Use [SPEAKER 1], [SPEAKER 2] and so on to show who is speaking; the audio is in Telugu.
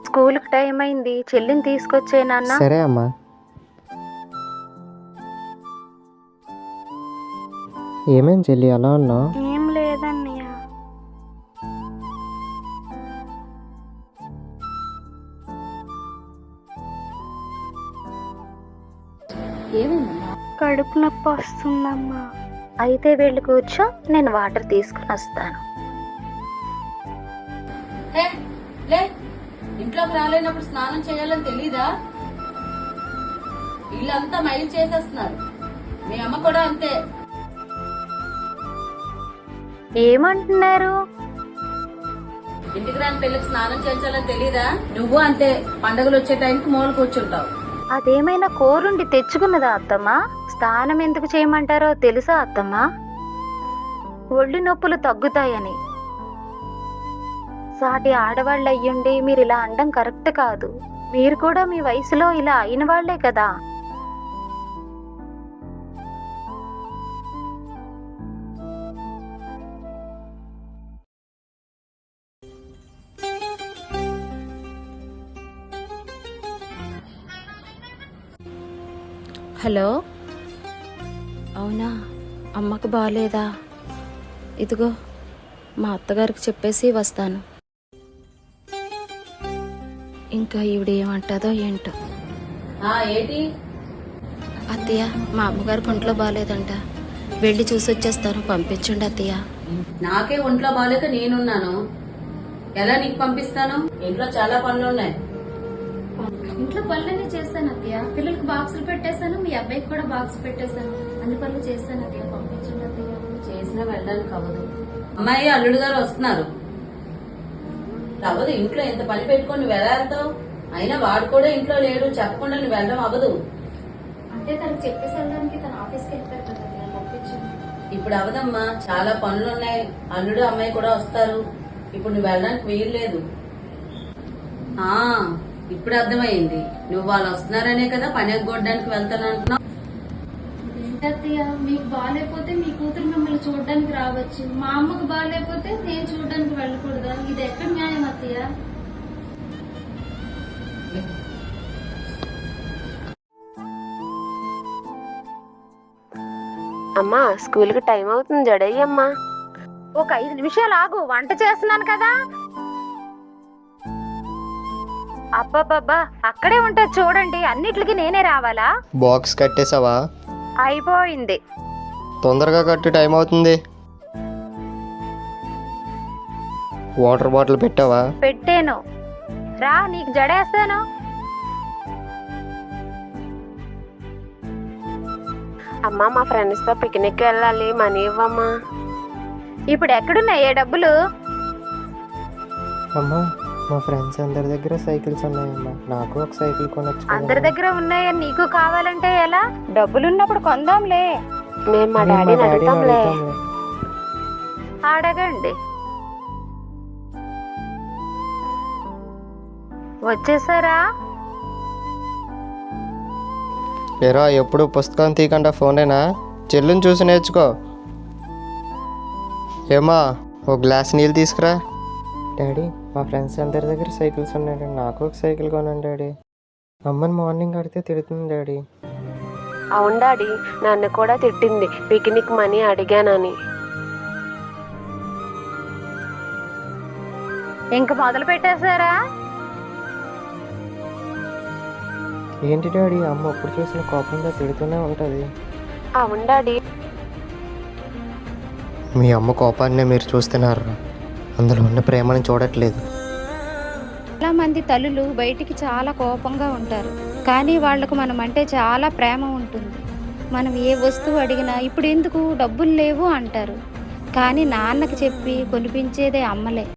[SPEAKER 1] స్కూల్కి టైం అయింది, చెల్లిని తీసుకొచ్చే నాన్న.
[SPEAKER 2] సరే అమ్మా. ఏమేం చెల్లి అలా ఉన్నావు?
[SPEAKER 1] ఏం లేదన్నయ్య. కడుపు నొప్పి వస్తుందమ్మా. అయితే వెళ్ళి కూర్చో, నేను వాటర్ తీసుకుని వస్తాను.
[SPEAKER 3] ఇంట్లోకి రాలేనప్పుడు స్నానం చేయాలని తెలీదా? ఇల్లంతా మైలు చేసేస్తున్నారు. మీ అమ్మ కూడా అంతే.
[SPEAKER 1] ఏమంటున్నారు?
[SPEAKER 3] ఇంటికి రాని పెళ్లికి స్నానం చేయించాలని తెలీదా? నువ్వు అంతే, పండుగలు వచ్చే టైంకి మూల కూర్చుంటావు.
[SPEAKER 1] అదేమైనా కోరుండి తెచ్చుకున్నదా అత్తమ్మా? స్నానం ఎందుకు చేయమంటారో తెలుసా అత్తమ్మా? ఒళ్ళు నొప్పులు తగ్గుతాయని. సాటి ఆడవాళ్ళు అయ్యుండి మీరు ఇలా అనడం కరెక్ట్ కాదు. మీరు కూడా మీ వయసులో ఇలా అయిన వాళ్లే కదా.
[SPEAKER 4] హలో, అవునా? అమ్మకు బాగాలేదా? ఇదిగో మా అత్తగారికి చెప్పేసి వస్తాను. ఇంకా ఈవిడ ఏమంటుందో ఏంటో.
[SPEAKER 3] ఏంటి
[SPEAKER 4] అత్తయ్య, మా అమ్మగారికి ఒంట్లో బాగాలేదంట, వెళ్ళి చూసి వచ్చేస్తాను, పంపించండి అత్తయ్య.
[SPEAKER 3] నాకే ఒంట్లో బాగాలేక నేనున్నాను, ఎలా నీకు పంపిస్తాను? ఇంట్లో చాలా పనులు ఉన్నాయి.
[SPEAKER 5] ఇంట్లో పనులన్నీ చేస్తాను అత్తయ్య. పిల్లలకు బాక్సులు పెట్టేశాను, మీ అబ్బాయికి కూడా బాక్స్ పెట్టేశాను. అన్ని పనులు చేస్తాను అత్తయ్య, పంపించండి అత్తయ్య.
[SPEAKER 3] చేసినా వెళ్ళడానికి అవ్వదు. అమ్మాయి అల్లుడు గారు వస్తున్నారు. అవ్వదు, ఇంట్లో ఎంత పని పెట్టుకొని నువ్వు ఎలా వెళ్తావు? అయినా వాడు కూడా ఇంట్లో లేడు, చెప్పకుండా నువ్వు వెళ్ళడం అవ్వదు.
[SPEAKER 5] అంటే తనకు చెప్పేసి వెళ్ళడానికి తన ఆఫీస్కి వెళ్తారు కదా అత్తయ్య, పంపించండి.
[SPEAKER 3] ఇప్పుడు అవదమ్మా, చాలా పనులు ఉన్నాయి. అల్లుడు అమ్మాయి కూడా వస్తారు. ఇప్పుడు నువ్వు వెళ్ళడానికి వీలు లేదు. ఇప్పుడు అర్థమైంది, నువ్వు వాళ్ళు వస్తున్నారనే కదా పని ఎగ్గొట్టడానికి వెళ్తాను అంటున్నావు.
[SPEAKER 5] ఏంటత్తయ్య, మీకు బాగాలేకపోతే మీ కూతురు మిమ్మల్ని చూడడానికి రావచ్చు, మా అమ్మకు బాగాలేకపోతే నేను చూడడానికి వెళ్ళకూడదా? ఇది ఎక్కడ న్యాయం అత్తయ్య?
[SPEAKER 6] అమ్మా, స్కూల్కి టైం అవుతుంది, జడయ్యమ్మా.
[SPEAKER 1] ఒక 5 నిమిషాలు ఆగు, వంట చేస్తున్నాను కదా. అబ్బబ్బబ్బా, అక్కడే ఉంటుంది చూడండి, అన్నిటికి నేనే రావాలా?
[SPEAKER 2] బాక్స్ కట్టేసావా?
[SPEAKER 1] అయిపోయింది.
[SPEAKER 2] తొందరగా కట్టు, టైం అవుతుంది. వాటర్ బాటిల్ పెట్టావా?
[SPEAKER 1] పెట్టాను, రా నీకు జడేస్తాను.
[SPEAKER 6] అమ్మా, మా ఫ్రెండ్స్తో పిక్నిక్ వెళ్ళాలి, మనీ ఇవ్వమ్మా.
[SPEAKER 1] ఇప్పుడు ఎక్కడున్నాయే డబ్బులు?
[SPEAKER 2] అమ్మా, మా ఫ్రెండ్స్ అందరి దగ్గర సైకిల్స్ ఉన్నాయమ్మా, నాకు ఒక సైకిల్ కొనొచ్చు.
[SPEAKER 1] అందరి దగ్గర ఉన్నాయని నీకు కావాలంటే ఎలా? డబ్బులున్నప్పుడు కొందాంలే.
[SPEAKER 6] మేము మా డాడీని అడుగుతాంలే.
[SPEAKER 1] అడగండి. వచ్చేసారా?
[SPEAKER 2] ఏరా, ఎప్పుడు పుస్తకం తీయకుండా ఫోనేనా? చెల్లుని చూసి నేర్చుకో. ఏమా, ఒక గ్లాస్ నీళ్ళు తీసుకురా. డాడీ, మా ఫ్రెండ్స్ అందరి దగ్గర సైకిల్స్ ఉన్నాయి, నాకు ఒక సైకిల్ కొనండి డాడీ. అమ్మని మార్నింగ్ అడిగితే తిడుతుంది డాడీ.
[SPEAKER 6] అవును డాడీ, నన్ను కూడా తిట్టింది పిక్నిక్ మనీ అడిగానని.
[SPEAKER 1] ఇంక మొదలు పెట్టేశారా?
[SPEAKER 2] ఏంటి డాడీ, అమ్మ ఎప్పుడు చూసిన కోపంగా తిడుతూనే ఉంటుంది.
[SPEAKER 6] అవును డాడీ.
[SPEAKER 2] మీ అమ్మ కోపాన్నే మీరు చూస్తున్నారు, అందులో ఉన్న ప్రేమను చూడట్లేదు.
[SPEAKER 1] చాలా మంది తల్లులు బయటికి చాలా కోపంగా ఉంటారు, కానీ వాళ్లకు మనం అంటే చాలా ప్రేమ ఉంటుంది. మనం ఏ వస్తువు అడిగినా ఇప్పుడు ఎందుకు, డబ్బులు లేవు అంటారు. కానీ నాన్నకి చెప్పి కొనిపించేదే అమ్మలే.